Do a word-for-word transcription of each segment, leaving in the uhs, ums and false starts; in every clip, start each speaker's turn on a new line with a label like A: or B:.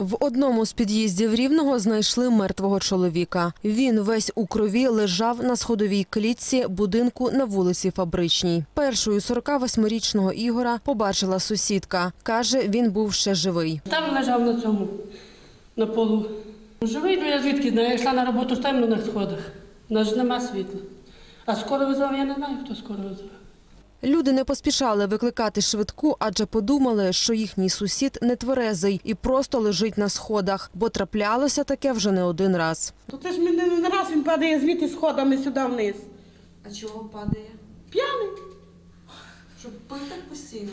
A: В одному з під'їздів Рівного знайшли мертвого чоловіка. Він весь у крові лежав на сходовій клітці будинку на вулиці Фабричній. Першою сорокавосьмирічного Ігора побачила сусідка. Каже, він був ще живий.
B: Там лежав на цьому, на полу. Живий, ну я звідки знаю, я йшла на роботу темно на сходах. У нас ж нема світла. А скоро визвав, я не знаю, хто скоро визвав.
A: Люди не поспішали викликати швидку, адже подумали, що їхній сусід нетверезий і просто лежить на сходах, бо траплялося таке вже не один раз.
C: То це ж не раз він падає звідти сходами сюди вниз.
D: А чого падає?
C: П'яний.
D: Щоб пив так постійно.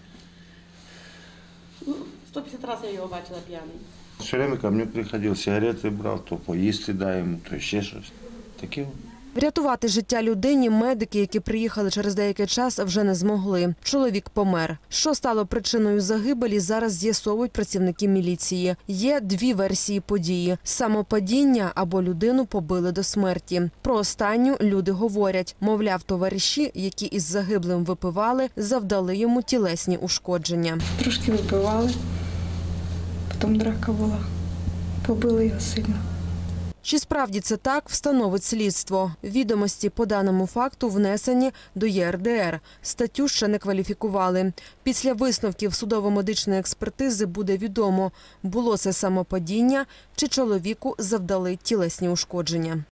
C: Ну, сто п'ятдесят разів я його бачила п'яний.
E: Все время ко мне приходил, сигареты брал, то поїсти дай йому, то ще щось. Таке.
A: Врятувати життя людині медики, які приїхали через деякий час, вже не змогли. Чоловік помер. Що стало причиною загибелі, зараз з'ясовують працівники міліції. Є дві версії події – самопадіння або людину побили до смерті. Про останню люди говорять. Мовляв, товариші, які із загиблим випивали, завдали йому тілесні ушкодження.
F: Трошки випивали, потім драка була, побили його сильно.
A: Чи справді це так, встановить слідство. Відомості по даному факту внесені до Є Ер Де Ер. Статтю ще не кваліфікували. Після висновків судово-медичної експертизи буде відомо, було це самопадіння чи чоловіку завдали тілесні ушкодження.